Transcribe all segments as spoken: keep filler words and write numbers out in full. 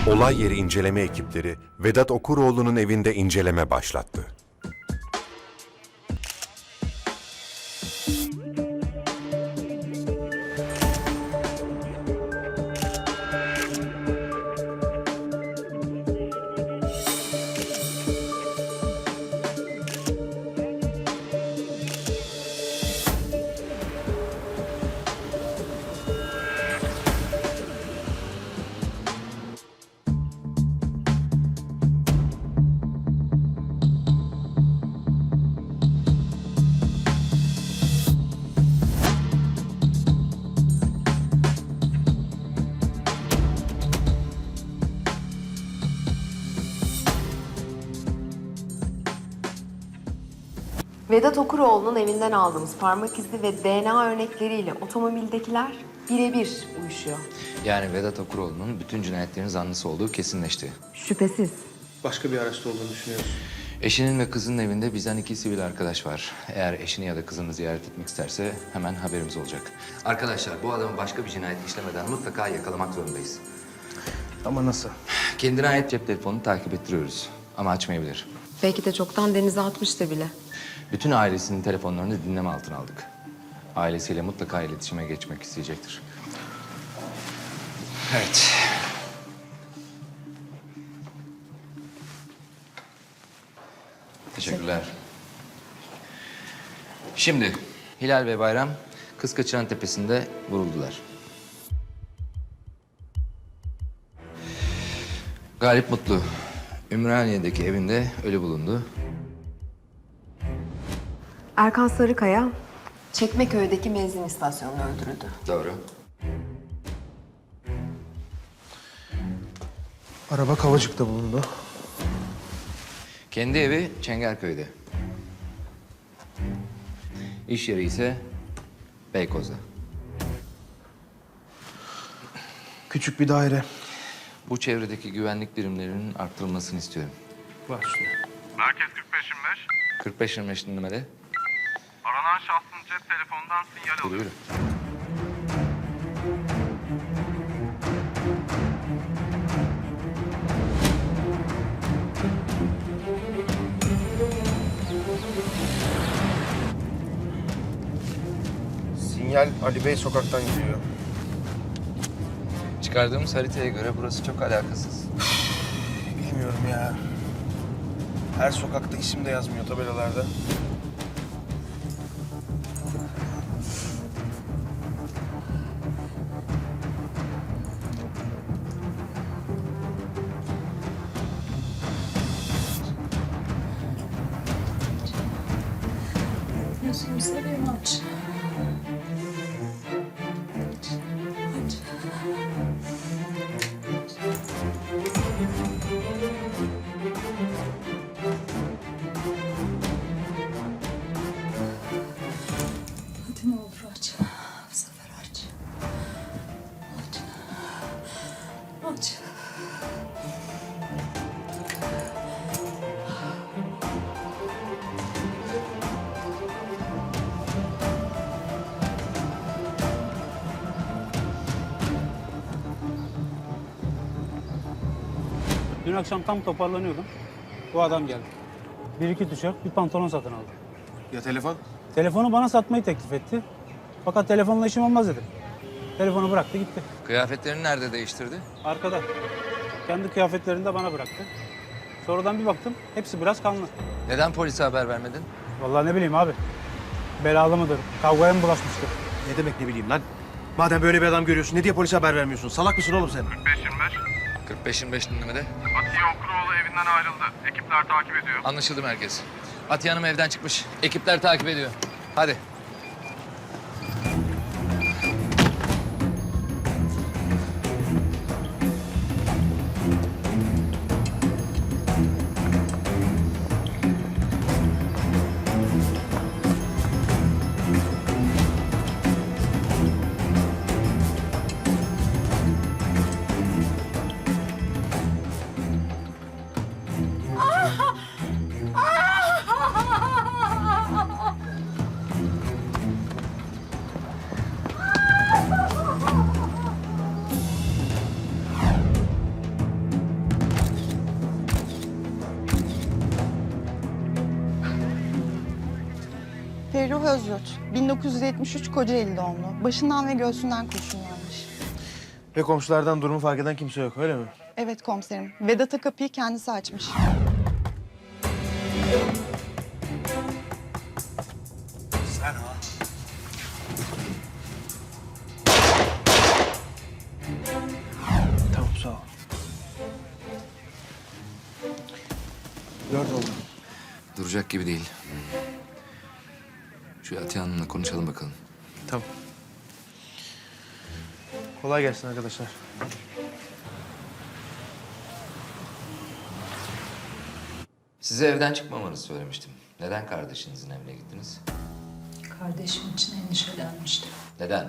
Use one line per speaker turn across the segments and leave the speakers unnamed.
Olay yeri inceleme ekipleri Vedat Okuroğlu'nun evinde inceleme başlattı.
Vedat Okuroğlu'nun evinden aldığımız parmak izi ve D N A örnekleriyle otomobildekiler birebir uyuşuyor.
Yani Vedat Okuroğlu'nun bütün cinayetlerin zanlısı olduğu kesinleşti.
Şüphesiz.
Başka bir araçta olduğunu düşünüyoruz.
Eşinin ve kızının evinde bizden iki sivil arkadaş var. Eğer eşini ya da kızını ziyaret etmek isterse hemen haberimiz olacak. Arkadaşlar bu adamı başka bir cinayet işlemeden mutlaka yakalamak zorundayız.
Ama nasıl?
Kendine ait cep telefonunu takip ettiriyoruz ama açmayabilir.
Belki de çoktan denize atmıştı bile.
Bütün ailesinin telefonlarını dinleme altına aldık. Ailesiyle mutlaka iletişime geçmek isteyecektir. Evet. Teşekkürler. Şimdi Hilal ve Bayram Kız Kaçıran Tepesi'nde vuruldular. Galip Mutlu Ümraniye'deki evinde ölü bulundu.
Erkan Sarıkaya, Çekmeköy'deki benzin istasyonunda öldürüldü.
Doğru.
Araba Kavacık'ta bulundu.
Kendi evi Çengelköy'de. İş yeri ise Beykoz'da.
Küçük bir daire.
Bu çevredeki güvenlik birimlerinin arttırılmasını istiyorum.
Var şurada.
Merkez kırk beş yirmi beş.
kırk beş yirmi beş dinlemede.
Aranan şahsın cep telefonundan sinyal
Yürü
alıyor.
yürü.
Sinyal Ali Bey sokaktan geliyor.
Çıkardığımız haritaya göre burası çok alakasız.
Bilmiyorum ya. Her sokakta isim de yazmıyor tabelalarda.
Gözünü seveyim aç. Aç. Hadi ne olur aç. Bu sefer aç. Aç. Aç.
Dün akşam tam toparlanıyordum. Bu adam geldi. Bir iki tişört, bir pantolon satın aldı.
Ya telefon?
Telefonu bana satmayı teklif etti. Fakat telefonla işim olmaz dedim. Telefonu bıraktı gitti.
Kıyafetlerini nerede değiştirdi?
Arkada. Kendi kıyafetlerini de bana bıraktı. Sonradan bir baktım, hepsi biraz kanlı.
Neden polise haber vermedin?
Vallahi ne bileyim abi. Belalı mıdır, kavgaya mı bulaşmıştır?
Ne demek ne bileyim lan? Madem böyle bir adam görüyorsun ne diye polise haber vermiyorsun? Salak mısın oğlum sen?
kırk beş yirmi beş.
kırk beş yirmi beş dinlemede.
Atiye Okuroğlu evinden ayrıldı. Ekipler takip ediyor.
Anlaşıldı merkez. Atiye Hanım evden çıkmış. Ekipler takip ediyor. Hadi.
Ferruh Özyurt, bin dokuz yüz yetmiş üç Kocaeli doğumlu. Başından ve göğsünden kurşun yanmış.
Ve komşulardan durumu fark eden kimse yok, öyle mi?
Evet komiserim, Vedat'a kapıyı kendisi açmış.
Sen ha. Tamam, sağ ol. Dört oldu.
Duracak gibi değil. Şu Atiye Hanım'la konuşalım bakalım.
Tamam. Kolay gelsin arkadaşlar.
Size evden çıkmamanızı söylemiştim. Neden kardeşinizin evine gittiniz?
Kardeşim için endişelenmiştim.
Neden?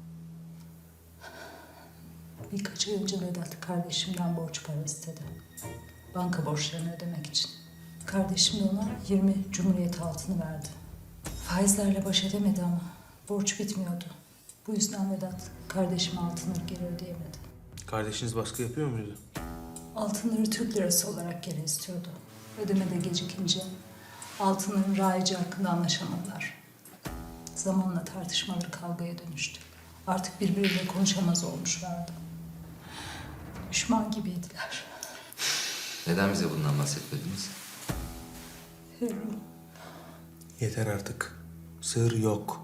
Birkaç ay önce Vedat kardeşimden borç para istedi. Banka borçlarını ödemek için. Kardeşim de ona yirmi Cumhuriyet altını verdi. Faizlerle baş edemedi ama borç bitmiyordu. Bu yüzden Vedat kardeşime altınları geri ödeyemedi.
Kardeşiniz baskı yapıyor muydu?
Altınları Türk lirası olarak geri istiyordu. Ödemede gecikince altınların raici hakkında anlaşamadılar. Zamanla tartışmaları kavgaya dönüştü. Artık birbiriyle konuşamaz olmuşlardı. Düşman gibiydiler.
Neden bize bundan bahsetmediniz?
Ferruh,
Yeter artık. Sır yok.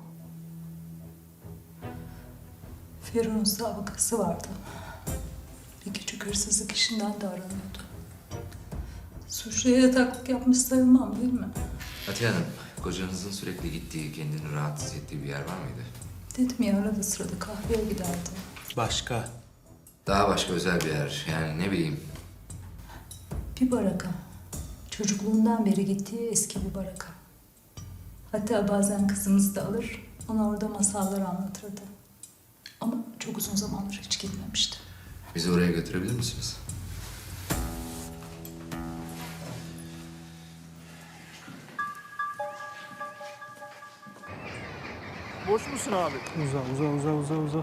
Ferruh'un sabıkası vardı. Bir küçük hırsızlık işinden de aranıyordu. Suçluya yataklık yapmış sayılmam değil mi?
Atiye Hanım, kocanızın sürekli gittiği, kendini rahatsız ettiği bir yer var mıydı?
Dedim ya arada sırada kahveye giderdi.
Başka.
Daha başka özel bir yer. Yani ne bileyim.
Bir baraka. Çocukluğundan beri gittiği eski bir baraka. Hatta bazen kızımızı da alır, ona orada masallar anlatırdı. Ama çok uzun zamandır hiç gitmemişti.
Bizi oraya götürebilir misiniz?
Boş musun abi?
Uza, uza, uza, uza, uza.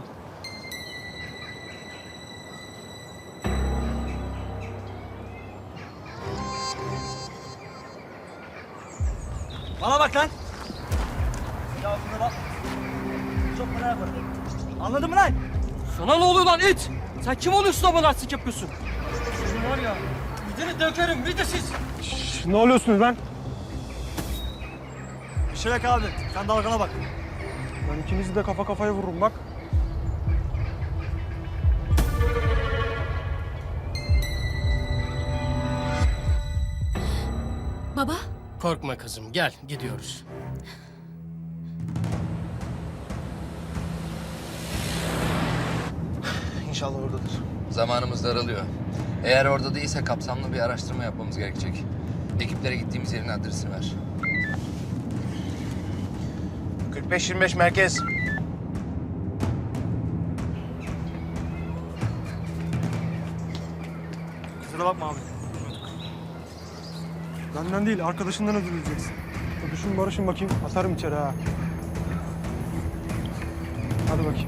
Bana bak lan. Ya buna bak. Çok para yaparım. Anladın mı lan? Sana ne oluyor lan it? Sen kim oluyorsun da bana artistik yapıyorsun? Sizin var ya, gidini dökerim, bir de siz.
Şş, ne oluyorsunuz lan?
Bir şey yok abi, sen dalgana bak.
Ben ikinizi de kafa kafaya vururum bak.
Baba,
Korkma kızım, gel gidiyoruz.
İnşallah oradadır.
Zamanımız daralıyor. Eğer orada değilse kapsamlı bir araştırma yapmamız gerekecek. Ekiplere gittiğimiz yerin adresini ver.
kırk beş yirmi beş merkez.
Kusura bakma abi.
Benden değil, arkadaşından özür dileyeceksin. Öpüşün barışın bakayım, atarım içeri ha. Hadi bakayım.